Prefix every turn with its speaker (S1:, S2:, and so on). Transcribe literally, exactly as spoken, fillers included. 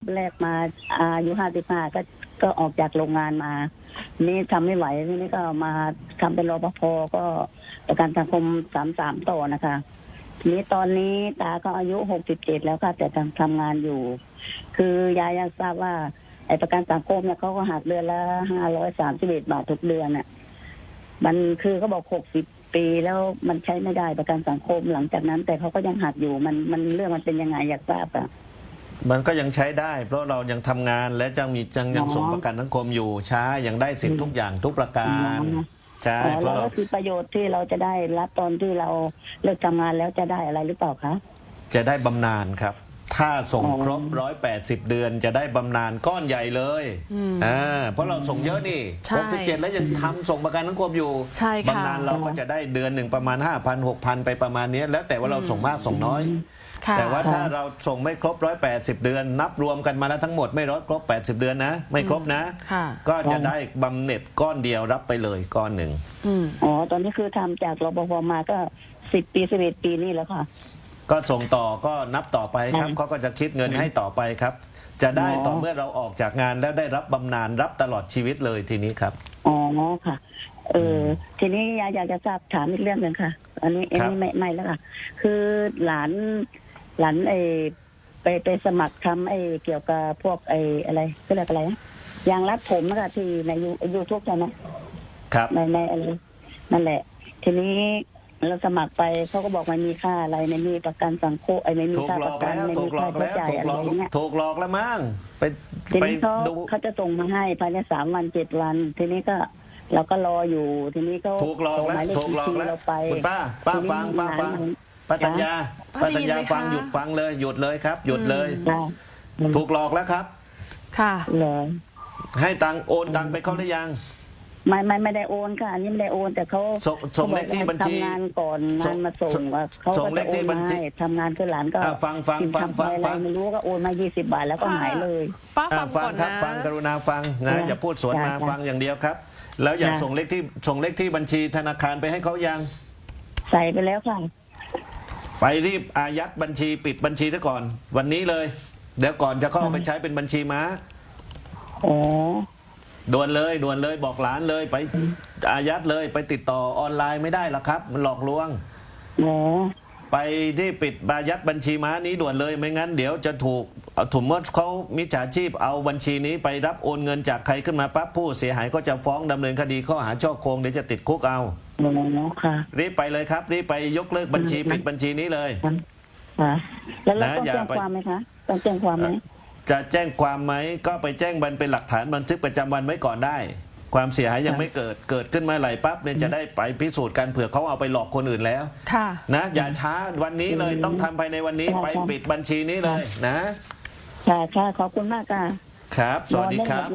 S1: แรกมาอายุห้าสิบห้าก็ก็ออกจากโรงงานมานี่ทำไม่ไหวทีนี้ก็มาทำเป็นรปภก็ประกันสังคมสามสามต่อนะคะทีนี้ตอนนี้ตาก็อายุหกสิบเจ็ดแล้วค่ะแต่ทำทำงานอยู่ คือยายอยากทราบว่าไอ้ประกันสังคมเนี่ยเขาก็หักเดือนละห้าร้อยสามสิบเอ็ดบาททุกเดือนน่ะมันคือเขาบอกหกสิบปีแล้วมันใช้ไม่ได้ประกันสังคมหลังจากนั้น แต่เขาก็ยังหักอยู่มันมันเรื่องมันเป็นยังไงอยากทราบอ่ะ
S2: มันก็ยังใช้ได้ เพราะเรายังทำงานและยังมียังยังส่งประกันสังคมอยู่ใช้ยังได้สิทธิ์ทุกอย่างทุกประการใช่เพราะเรา
S1: คือประโยชน์ที่เราจะได้รับตอนที่เราเลิกทำงานแล้วจะได้อะไรหรือเปล่าคะ
S2: จะได้บำนาญครับถ้าส่งครบร้อยแปดสิบเดือนจะได้บำนาญก้อนใหญ่เลยอ่าเพราะเราส่งเยอะนี่หกสิบเจ็ดแล้วยังทำส่งประกันสังคมอยู่บำนาญเราก็จะได้เดือนหนึ่งประมาณห้าพันหกพันไปประมาณนี้แล้วแต่ว่าเราส่งมากส่งน้อยแต่ว่าถ้าเราส่งไม่ครบร้อยแปดสิบเดือนนับรวมกันมาแล้วทั้งหมดไม่ร้อยครบแปดสิบเดือนนะไม่ครบนะก็จะได้บำเหน็จก้อนเดียวรับไปเลยก้อนหนึ่ง
S1: อ๋อตอนนี้คือทำจากรปภมาก็สิบปีสิบเอ็ดปีนี่แล้วค่ะ
S2: ก็ส่งต่อก็นับต่อไปครับเขาก็จะคิดเงินให้ต่อไปครับจะได้ต่อเมื่อเราออกจากงานแล้วได้รับบำนาญรับตลอดชีวิตเลยทีนี้ครับ
S1: อ๋อค่ะเออทีนี้ยายอยากจะทราบถามอีกเรื่องหนึ่งค่ะอันนี้อันนี้ไม่ไม่แล้วค่ะคือหลานหลานไอไปไปสมัครทำไอเกี่ยวกับพวกไออะไรก็เรียกอะไรนะยางรัดผมนะคะที่ในยูยูทูบใช่ไหม
S2: ครับ
S1: ในในอะไรนั่นแหละทีนี้เราสมัครไปเขาก็บอกไม่มีค่าอะไรไม่มีประกันสังคมไอ้ไม่มีค่าประกันไม่มีค่าใช้จ่ายอะไรอย่างเงี้ย
S2: ถูกหลอกแล้วมั้งไป
S1: ทีนี้เขาเขาจะส่งมาให้ภายในสามวันเจ็ดวันทีนี้ก็เราก็รออยู่ทีนี้ก็
S2: ถูกหลอกแล้วถูกหลอกแล้วคุณป้าป้าฟังป้าฟังป้าธัญญาป้าธัญญาฟังหยุดฟังเลยหยุดเลยครับหยุดเลยถูกหลอกแล้วครับ
S3: ค่ะ
S1: เลย
S2: ให้ตังโอนตังไปเขาหรือยัง
S1: ไม่ไม่ไม่ได้โอนค่ะอันนี้ไม่ได้โอนแต่เขา
S2: ส่งเลขที่บัญชี
S1: ทำงานก่อนงานมาส่งเขา
S2: ส่งเลขที่บัญชี
S1: ทำงานคือหลานก็
S2: ฟังฟังฟังฟังฟัง
S1: ไม่รู้ก็โอนมายี่สิบบาทแล้วก็หายเลย
S3: ป้าฟังก่อน
S2: นะฟังกรุณาฟังนะอย่าพูดสวนมาฟังอย่างเดียวครับแล้วอยากส่งเลขที่ส่งเลขที่บัญชีธนาคารไปให้เขายัง
S1: ใส่ไปแล้วค่ะ
S2: ไปรีบอายัดบัญชีปิดบัญชีซะก่อนวันนี้เลยเดี๋ยวก่อนจะเข้าไปใช้เป็นบัญชีม้า
S1: อ๋อ
S2: ด่วนเลยด่วนเลยบอกหลานเลยไปอายัดเลยไปติดต่อออนไลน์ไม่ได้หรอกครับมันหลอกลวง
S1: อ๋อ
S2: ไปที่ปิดอายัดบัญชีม้านี้ด่วนเลยไม่งั้นเดี๋ยวจะถูกถุมมดเขามิจฉาชีพเอาบัญชีนี้ไปรับโอนเงินจากใครขึ้นมาปั๊บผู้เสียหายก็จะฟ้องดำเนินคดีข้อหาช่อโกงเดี๋ยวจะติดคุกเอา
S1: อ๋อค่ะ
S2: รีบไปเลยครับรีบไปยกเลิกบัญชีปิดบัญชีนี้เลย
S1: ค่ะแล้วเราต้องแจ้งความไหมคะต้องแจ้งความไหม
S2: จะแจ้งความไหมก็ไปแจ้งบันเป็นหลักฐานบันทึกประจำวันไว้ก่อนได้ความเสียหายยังไม่เกิดเกิดขึ้นมาไหลปั๊บเนี่ยจะได้ไปพิสูจน์กันเผื่อเขาเอาไปหลอกคนอื่นแล้วนะอย่าช้าวันนี้เลยต้องทำภายในวันนี้ไปปิดบัญชีนี้เลยนะ
S1: ค่ะค่ะขอบคุณมากค่ะ
S2: ครับสวัสดีครับ